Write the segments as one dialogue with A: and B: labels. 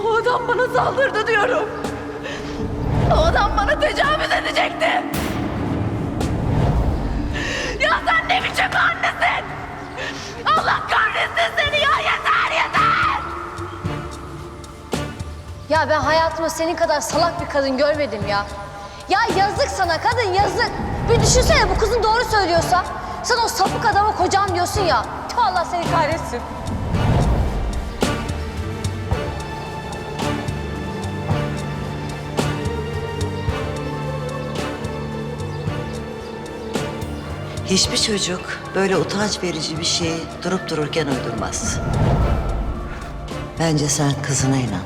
A: O adam bana saldırdı diyorum. O adam bana tecavüz edecekti. Ya sen ne biçim annesin? Allah kahretsin seni ya, yeter yeter!
B: Ya ben hayatımda senin kadar salak bir kadın görmedim ya. Ya yazık sana kadın, yazık. Bir düşünsene, bu kızın doğru söylüyorsa. Sen o sapık adama kocam diyorsun ya. Tüh, Allah seni kahretsin.
C: Hiçbir çocuk böyle utanç verici bir şeyi durup dururken uydurmaz. Bence sen kızına inan.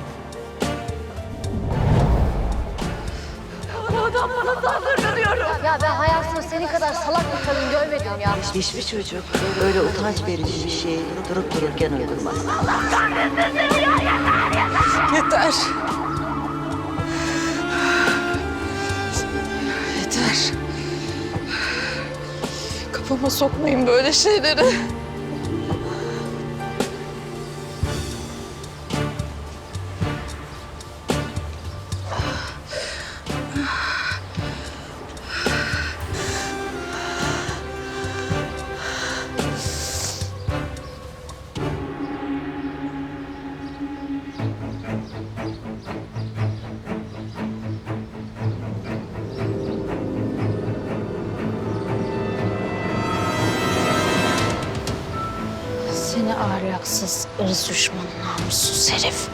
A: O adam bana saldırdı diyorum.
B: Ya ben hayatımda senin kadar salak bir kadın görmedim ya.
C: Hiçbir çocuk böyle utanç verici bir şeyi durup dururken uydurmaz.
A: Allah kahretsin seni ya, yeter yeter!
D: Yeter. Yeter. Kafama sokmayın böyle şeyleri.
B: Seni ahlaksız, ırz düşmanı, namussuz herif.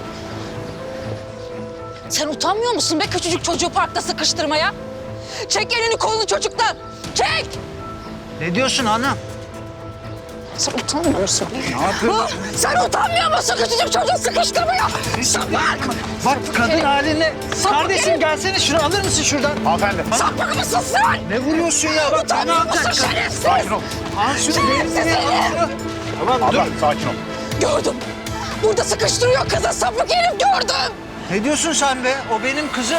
D: Sen utanmıyor musun be küçücük çocuğu parkta sıkıştırmaya? Çek elini kolunu çocuktan. Çek!
E: Ne diyorsun anam?
D: Sen utanmıyor musun?
E: Ne yapıyorsun?
D: Sen utanmıyor musun küçücük çocuğu sıkıştırmaya? Sapık!
E: Bak kadın haline.
D: Sapık
E: Kardeşim
D: herif!
E: gelsene şunu alır mısın şuradan?
F: Hanımefendi.
D: Sapık mısın sen?
E: Ne vuruyorsun ya? Bak ne
D: Utanmıyor musun
E: yapacaksın?
D: şerefsiz?
F: Sakin ol.
E: Al şunu
D: Şerefsiz
E: benim
D: herif!
E: Tamam dur.
F: Abla sakin ol.
D: Gördüm. Burada sıkıştırıyor kızı, sapık herif gördüm.
E: Ne diyorsun sen be? O benim kızım.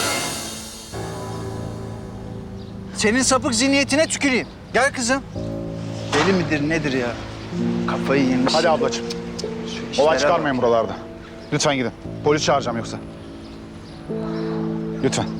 E: Senin sapık zihniyetine tüküreyim. Gel kızım. Deli midir nedir ya? Kafayı yemiş.
F: Hadi ablacığım.
E: Şu
F: Olay
E: işlere
F: çıkarmayın buralarda. Lütfen gidin. Polis çağıracağım yoksa. Lütfen.